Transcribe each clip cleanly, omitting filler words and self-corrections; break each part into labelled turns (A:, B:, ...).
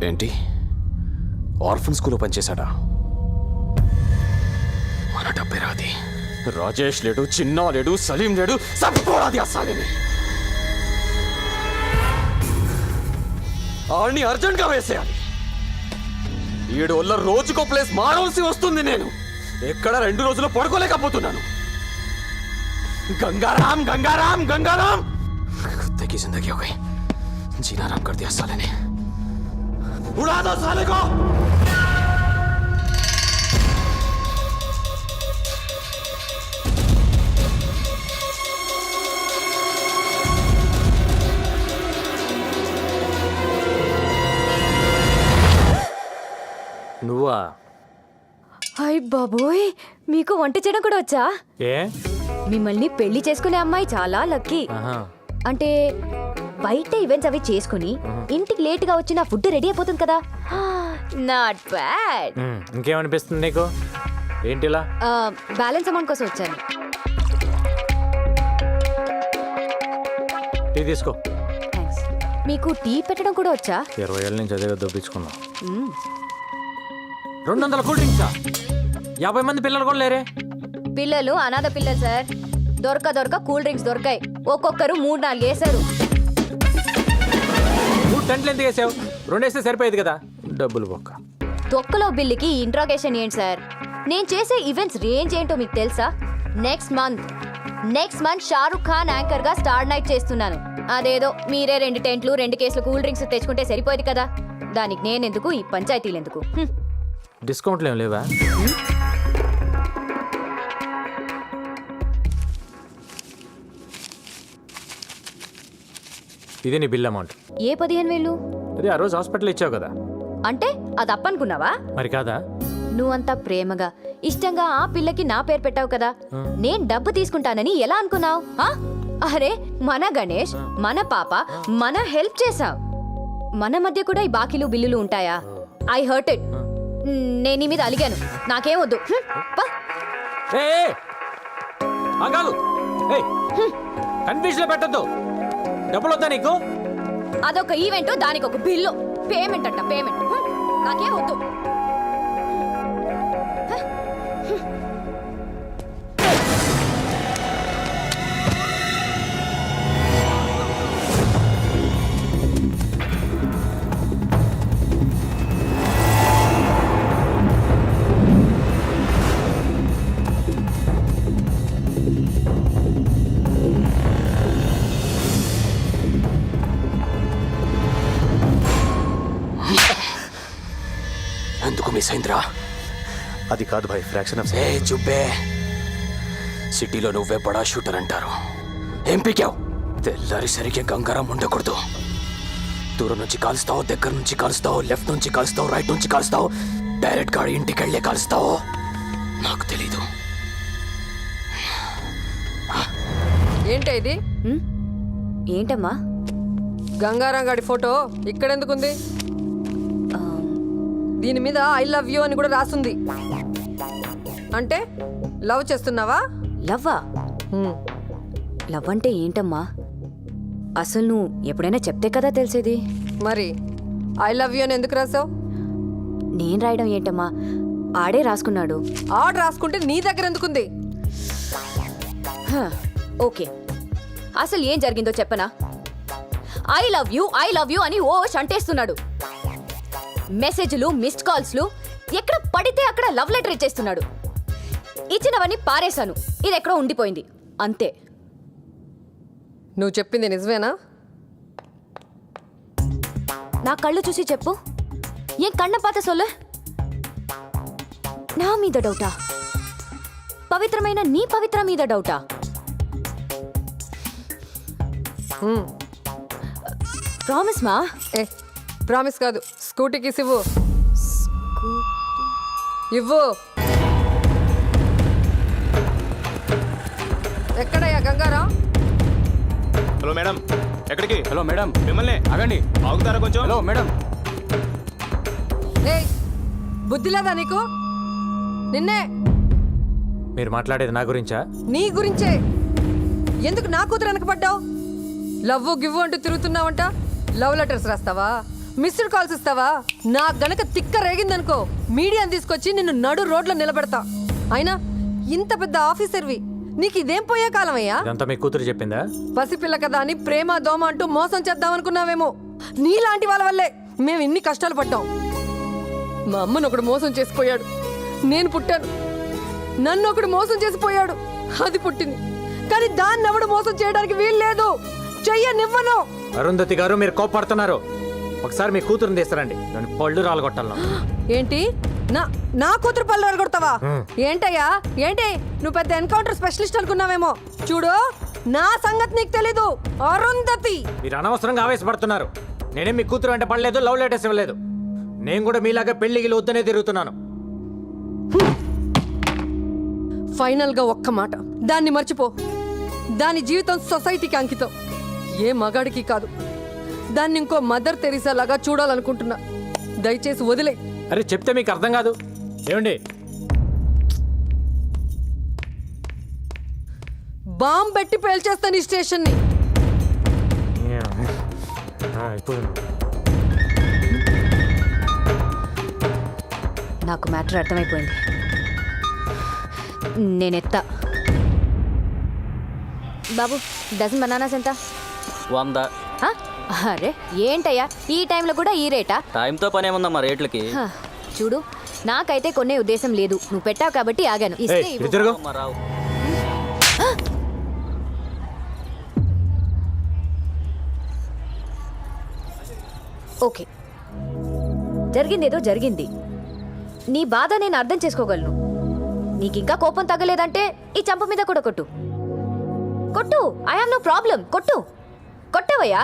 A: ఏంటి ఆర్ఫన్ స్కూల్లో పనిచేశాడా? మన డబ్బే రాది. రాజేష్ లేడు, చిన్నా లేడు, సలీం లేడు, సరిపోరాది అస్సాలిని. ఆడిని అర్జెంట్గా వేసేయాలి. 7 వల్ల రోజుకో ప్లేస్ మారవలసి వస్తుంది. నేను ఎక్కడ 2 రోజులు పడుకోలేకపోతున్నాను. गंगाराम गंगाराम गंगाराम कुत्ते की जिंदगी हो गई. जीना आराम कर दिया साले ने. उड़ा दो साले को.
B: నువ్వా?
C: హాయ్ బాబోయ్, మీకు వంట చేయడం కూడా వచ్చా?
B: ఏ
C: మిమ్మల్ని పెళ్లి చేసుకునే అమ్మాయి చాలా లక్కీ.
B: ఆహా.
C: అంటే బయట ఈవెంట్స్ అవి చేసుకుని ఇంటికి లేట్ గా వచ్చి నా ఫుడ్ రెడీ అయిపోతుంది కదా. Not bad.
B: ఇంకేమనిపిస్తుంది నీకు? ఏంటిలా?
C: బ్యాలెన్స్ అమౌంట్ కోసం వచ్చాను.
B: టీ తీసుకో.
C: థ్యాంక్స్. మీకు టీ పెట్టడం కూడా వచ్చా?
B: 20 ఏళ్ళ నుంచి అదే దొప్పించుకున్నాం. 200 కూల్ డ్రింక్సా? 50 మంది పిల్లలు కూడా లేరే.
C: పిల్లలు అనాథ పిల్లలు సార్. దొరక కూల్ డ్రింక్స్ దొరకాయి. ఒక్కొక్కరు 3-4 వేసారు.
B: నువ్వు టెంట్లు ఎందుకు వేసావు? 2 వేస్తే సరిపోయేది కదా. డబ్బులు బొక్క.
C: తొక్కలో బిల్లుకి ఇంట్రాగేషన్ ఏంటి సార్? నేను చేసే ఈవెంట్స్ రేంజ్ ఏంటో మీకు తెలుసా? Next month Shahrukh Khan anchor గా స్టార్ నైట్ చేస్తున్నాను. అదేదో మీరే 2 టెంట్లు 2 కేసులు కూల్ డ్రింక్స్ తెచ్చుకుంటే సరిపోయేది కదా. దానికి నేనెందుకు, ఈ పంచాయతీలు ఎందుకు?
B: డిస్కౌంట్లు ఏం లేవా? ఇది నీ బిల్ అమౌంట్.
C: ఏ 15,000?
B: అది ఆ రోజు హాస్పిటల్ ఇచ్చావు కదా.
C: అంటే అది అప్పనుకున్నావా?
B: మరి కాదా?
C: నువ్వంతా ప్రేమగా ఇష్టంగా ఆ పిల్లకి నా పేరు పెట్టావు కదా. నేను డబ్బు తీసుకుంటానని ఎలా అనుకున్నావు? అరే మన గణేష్, మన పాప, మన హెల్ప్ చేసావు. మన మధ్య కూడా ఈ బాకీలు బిల్లులు ఉంటాయా? I hurt it. నేను నీ మీద అలిగాను. నాకేం వద్దు.
B: కన్ఫ్యూజన్ లో పెట్టద్దు. డబ్బులు వద్దా నీకు?
C: అదొక ఈవెంట్, దానికి ఒక బిల్లు. పేమెంట్ అంట పేమెంట్. నాకేం వద్దు.
A: ఎందుకు మిస్ అయిందిరా?
D: అది కాదు భాయ్, ఫ్రాక్షన్ ఆఫ్
A: ఏ చుబ్బే. సిటీలో నువ్వే బడా షూటర్ అంటారు. ఏం పీకావు? తెల్లారి సరిగ్గా గంగారాం ఉండకూడదు. దూరం నుంచి కాలుస్తావు, దగ్గర నుంచి కాలుస్తావు, లెఫ్ట్ నుంచి కాలుస్తావు, రైట్ నుంచి కాలుస్తావు, డైరెక్ట్ గా ఇంటికి వెళ్ళే కాలుస్తావు. నాకు తెలీదు.
E: ఏంటి ఇది?
C: ఏంటమ్మా?
E: గంగారాం గాడి ఫోటో ఇక్కడెందుకుంది? దీని మీద ఐ లవ్ యూ అని కూడా రాసుంది. అంటే లవ్ చేస్తున్నావా?
C: లవ్వా? లవ్ అంటే ఏంటమ్మా? అసలు నువ్వు ఎప్పుడైనా చెప్తే కదా తెలిసేది.
E: మరి ఐ లవ్ యూ అని ఎందుకు రాసావు?
C: నేను రాయడం ఏంటమ్మా? ఆడే రాసుకున్నాడు.
E: ఆర్డర్ రాసుకుంటే నీ దగ్గర ఎందుకుంది?
C: ఓకే, అసలు ఏం జరిగిందో చెప్పనా? ఐ లవ్ యూ అని ఓ షంటేస్తున్నాడు. మెసేజ్లు, మిస్డ్ కాల్స్లు, ఎక్కడ పడితే అక్కడ లవ్ లెటర్ ఇచ్చేస్తున్నాడు. ఇచ్చినవన్నీ పారేశాను. ఇది ఎక్కడో ఉండిపోయింది అంతే.
E: నువ్వు చెప్పింది నిజమేనా?
C: నా కళ్ళు చూసి చెప్పు. ఏం కన్న పాత సొల్లు? నా మీద డౌటా? పవిత్రమైన నీ పవిత్ర మీద డౌటా? ప్రామిస్ మా?
E: ఏ ప్రామిస్ కాదు, స్కూటీకి ఇవ్వు. ఇవ్వు. ఎక్కడయ్యా గంగారాం?
D: హలో మేడం, ఎక్కడికి?
B: హలో మేడం,
D: మిమ్మల్ని
B: ఆగండి.
D: ఆగుతారా కొంచెం?
B: Hello madam.
E: ఏయ్, బుద్ధి లేదా నీకు? నిన్నే.
B: మీరు మాట్లాడేది నా గురించా?
E: నీ గురించే. ఎందుకు నా కూతురు వెనకపడ్డావు? లవ్వు గివ్వు అంటూ తిరుగుతున్నావంట. లవ్ లెటర్స్ రాస్తావా? మిస్డ్ కాల్స్ ఇస్తావా? నా గనక తిక్క రేగిందనుకో మీడియాని తీసుకొచ్చి నిన్ను నడు రోడ్లో నిలబెడతా. అయినా ఇంత పెద్ద ఆఫీసర్వి, నీకు ఇదేం పోయే కాలమయ్యా?
B: ఇదంతా మీ కూతురు చెప్పిందా?
E: పసిపిల్ల కదా అని ప్రేమ దోమ అంటూ మోసం చేద్దామనుకున్నావేమో. నీలాంటి వాళ్ళ వల్లే మేము ఇన్ని కష్టాలు పడ్డాం. మా అమ్మను ఒకడు మోసం చేసిపోయాడు, నేను పుట్టాను. నన్ను ఒకడు మోసం చేసిపోయాడు, అది పుట్టింది. కానీ దాన్ని ఎవడు మోసం చేయడానికి వీలు లేదు, చెయ్యనివ్వను.
B: అరుంధతి గారు, మీరు కోపడుతున్నారు. ఒకసారి మీ కూతురుని తీస్తారండి, దాన్ని పళ్ళు రాలగొట్టాలను.
E: ఏంటి నా కూతురు పళ్ళు అరగొడతావా? ఏంటయ్యా ఏంటి? నువ్వు పెద్ద ఎన్కౌంటర్ స్పెషలిస్ట్ అనుకున్నావేమో. చూడు, నా సంగతి నీకు తెలీదు. అరుంధతి,
B: మీరు అనవసరంగా ఆవేశపడుతున్నారు. నేనేం మీ కూతురు అంటే పడలేదు, లవ్ లెటర్స్ ఇవ్వలేదు. నేను కూడా మీలాగా పెళ్లికి వద్దనే తిరుగుతున్నాను.
E: ఫైనల్ గా ఒక్క మాట, దాన్ని మర్చిపో. దాని జీవితం సొసైటీకి అంకితం, ఏ మగాడికి కాదు. దాన్ని ఇంకో మదర్ తెరీసా లాగా చూడాలనుకుంటున్నా. దయచేసి వదిలే.
B: అరే చెప్తే మీకు అర్థం కాదు. ఏమండి,
E: బాంబు పెట్టి పేల్చేస్తాను ఈ స్టేషన్ని.
C: నాకు మ్యాటర్ అర్థమైపోయింది. నేనెత్తా. బాబు, డజన్ బనానాస్ ఎంత?
A: 100.
C: హ? అరే ఏంటయ్యా ఈ టైంలో కూడా ఈ రేటా?
A: టైంతో పని ఏముందమ్మా రేట్లకి?
C: హ, చూడు, నాకైతే కొనే ఉద్దేశం లేదు. నువ్వు పెట్టావు కాబట్టి ఆగాను. ఇస్తే ఇవ్వు.
B: తిరుగు.
A: రావు.
C: ఓకే, జరిగిందేదో జరిగింది. నీ బాధ నేను అర్థం చేసుకోగలను. నీకింకా కోపం తగ్గలేదంటే ఈ చంప మీద కూడా కొట్టు. కొట్టు, ఐ హావ్ నో ప్రాబ్లం. కొట్టు. కొట్టవయ్యా.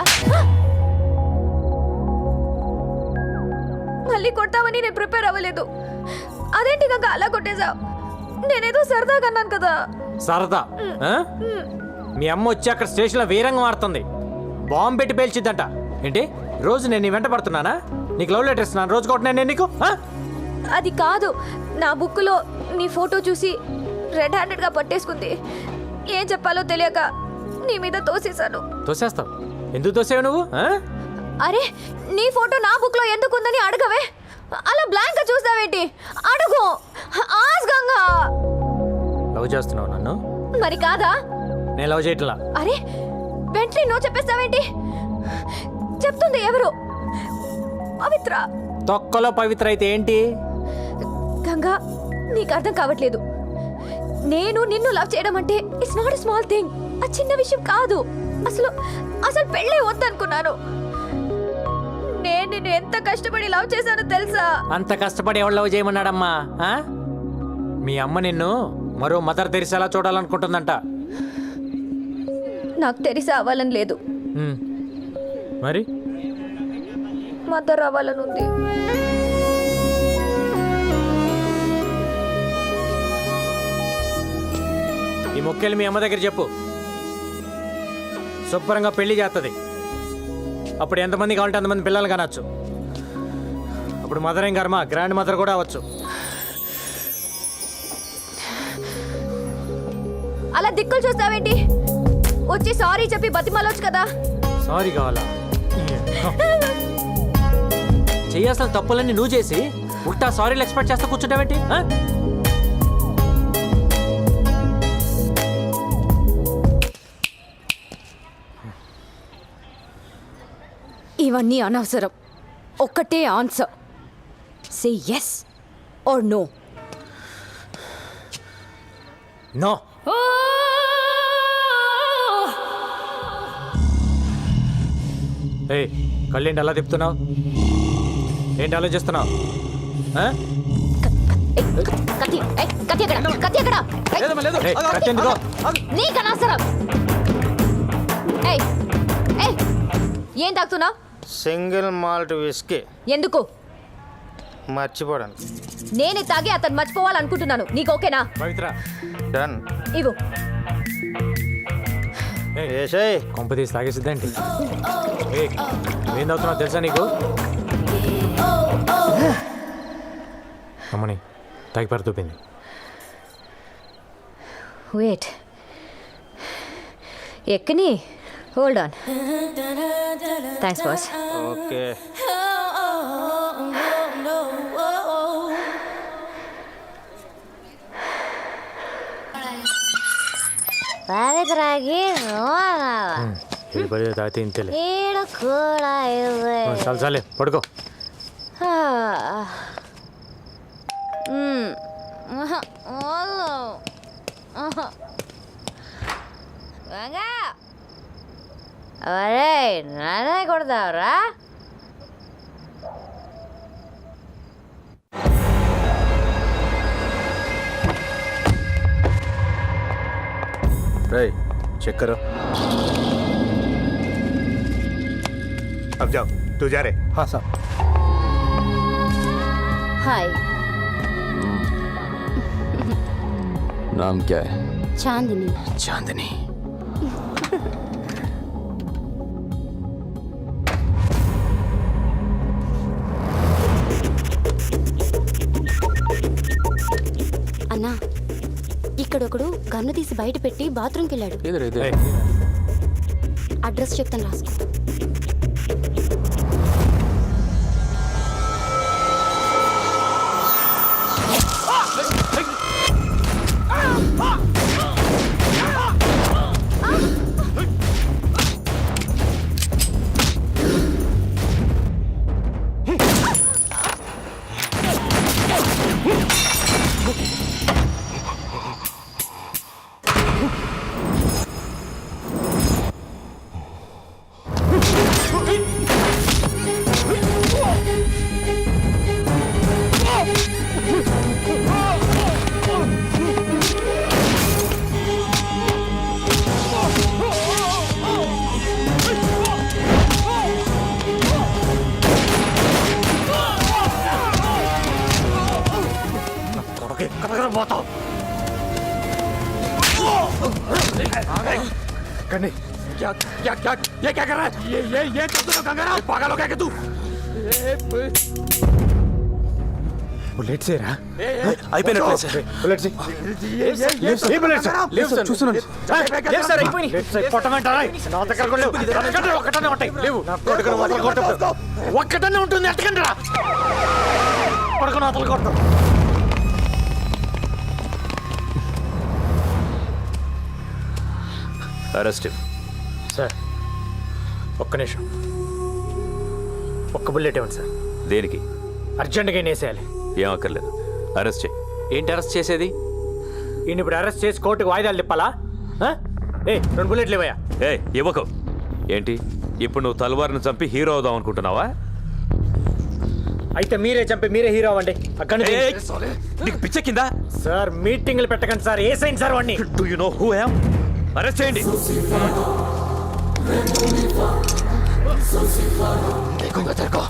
C: మళ్ళీ కొట్టావని నేను ప్రిపేర్ అవ్వలేదు. అదేంటి ఇంకా అలా కొట్టేశావు? నేనేదో సరదాగా అన్నాను కదా.
B: సరదా? ఆ? మీ అమ్మ వచ్చి అక్కడ స్టేషన్లో వీరంగం ఆడుతుంది. బాంబు పెట్టి పేల్చిద్దంట. ఏంటి, రోజు నేను నీ వెంట పడుతున్నానా? నీకు లవ్ లెటర్ ఇస్తున్నాను, రోజు కొట్టినా నేను నీకు?
C: అది కాదు, నా బుక్లో నీ ఫోటో చూసి రెడ్ హ్యాండెడ్గా పట్టేసుకుంది. ఏం చెప్పాలో తెలియక నీ మీద తోసేశాను.
B: తోసేస్తావు? ఎందుకు తోసేవు నువ్వు?
C: అరే, నీ ఫోటో నా బుక్లో ఎందుకుందని అడగవే. అలా బ్లాంక్గా చూస్తావేంటి? అడుగు, ఆస్గంగా.
B: లవ్ చేస్తున్నావు నన్ను?
C: మరి కాదా?
B: నేను లవ్ చేయట్లా.
C: అరే, వెంటనే నో చెప్పేస్తావేంటి? చెప్తుంది ఎవరు? పవిత్ర.
B: తొక్కలో పవిత్ర అయితే ఏంటి?
C: గంగా, నీకు అర్థం కావట్లేదు. నేను నిన్ను లవ్ చేయడం అంటే it's not a small thing. ఆ చిన్న విషయం కాదు. అసలు అసలు పెళ్ళే వద్దనుకున్నాను. నేను నిన్ను ఎంత కష్టపడి లవ్ చేశానో తెలుసా?
B: అంత కష్టపడి ఎవరు లవ్ చేయమన్నాడమ్మా? మీ అమ్మ నిన్ను మరో మదర్ తెరిసేలా చూడాలనుకుంటుందంట.
C: నాకు తెలిసి అవ్వాలని లేదు,
B: మరి
C: మదర్ అవ్వాలని ఉంది.
B: ఈ మొక్కేలు మీ అమ్మ దగ్గర చెప్పు. శుభ్రంగా పెళ్లి చేస్తుంది. అప్పుడు ఎంతమంది కావాలంటే అంతమంది పిల్లలు కానొచ్చు. అప్పుడు మదర్ ఏం కర్మ, గ్రాండ్ మదర్ కూడా అవ్వచ్చు.
C: అలా దిక్కులు చూస్తావేంటి? వచ్చి సారీ చెప్పి బతిమాలొచ్చు కదా.
B: సారీ కావాలా? చెయ్యాల్సిన తప్పులన్నీ నువ్వు చేసి ఉట్టా సారీలు ఎక్స్పెక్ట్ చేస్తా కూర్చుంటావేంటి?
C: ఇవన్నీ అనవసరం. ఒక్కటే answer, say yes or no.
B: No. ఏ కళ్ళేంటి అలా తిప్పుతున్నావు? ఏంటి ఆలోచిస్తున్నావు?
C: కత్తి, కత్తి ఎక్కడ? కత్తి ఎక్కడ?
B: కత్తి ఎందుకో?
C: నీకు అనవసరం. ఏం తాగుతున్నావు?
F: Single malt whisky.
C: ఎందుకు?
F: మర్చిపోవడానికి.
C: నేనే తాగి అతను మర్చిపోవాలనుకుంటున్నాను. నీకు ఓకేనా?
B: పవిత్ర,
F: డన్.
C: ఇవ్వు.
F: ఏసేయ్.
B: కొంప తీసి తాగేసిద్దేంటి? ఏం తాగుతున్నావు తెలుసా నీకు? అమ్మని తాగి పడుతుంది.
C: వెయిట్, ఎక్కని. Hold on. Thanks boss.
F: Okay.
G: పవిత్రకి
B: ఏడు పది తాగితే ఇంతేలే
G: ఈడు కూడా ఇవ్వే.
B: చాలు చాలే పడుకో
G: ఒరే నానే కొడతావురా?
D: रे चेक करो अब जाओ तू जा रहे हाँ साहब
G: హాయ్,
A: नाम क्या है?
G: చాందిని.
A: चांदनी.
G: అన్నా, ఇక్కడొకడు గన్ను తీసి బయట పెట్టి బాత్రూమ్కి వెళ్ళాడు.
A: इधर इधर.
G: అడ్రస్ చెప్తాను రాసుకో.
B: क्या क्या क्या ये क्या कर रहा है? ये कर दो गंगाराम, पागल हो गया क्या तू? बुलेट से रहा?
D: అయిపోయినట్లే సార్
B: बुलेट से ये बुलेट से
D: చూస్తున్నాను
B: లేదు సార్ అయిపోయి కొట్టమంటారా నా దగ్గర కూడా లేవు ఎందుకంటే ఒక్కటనే ఉంటాయి లేవు నా కొడుకుని వదలు కొట్ట ఒక్కటనే ఉంటుంది ఎట్టకండి రా కొడుకుని వదలు కొట్ట
A: అరెస్ట్.
B: సార్ ఒక్క నిమిషం ఒక్క బుల్లెట్ ఇవ్వండి సార్
A: దేనికి?
B: అర్జెంటుగా వేసేయాలి
A: ఏం అక్కర్లేదు. అరెస్ట్ చేయి. ఏంటి అరెస్ట్ చేసేది?
B: ఈయన ఇప్పుడు అరెస్ట్ చేసి కోర్టుకు వాయిదాలు తిప్పాలా? ఏ 2 బుల్లెట్లు ఇవ్వయా.
A: ఏ ఇవ్వకు. ఏంటి ఇప్పుడు నువ్వు తల్వార్ని చంపి హీరో అవుదాం అనుకుంటున్నావా?
B: అయితే మీరే చంపి మీరే హీరో అవ్వండి. అక్కడ
A: నీకు పిచ్చ కింద.
B: సార్ మీటింగ్లు పెట్టకండి సార్. ఏ సైన్ సార్ వాడిని.
A: Do you know who I am? Arrest చేయండి. देखूंगा तेरे को.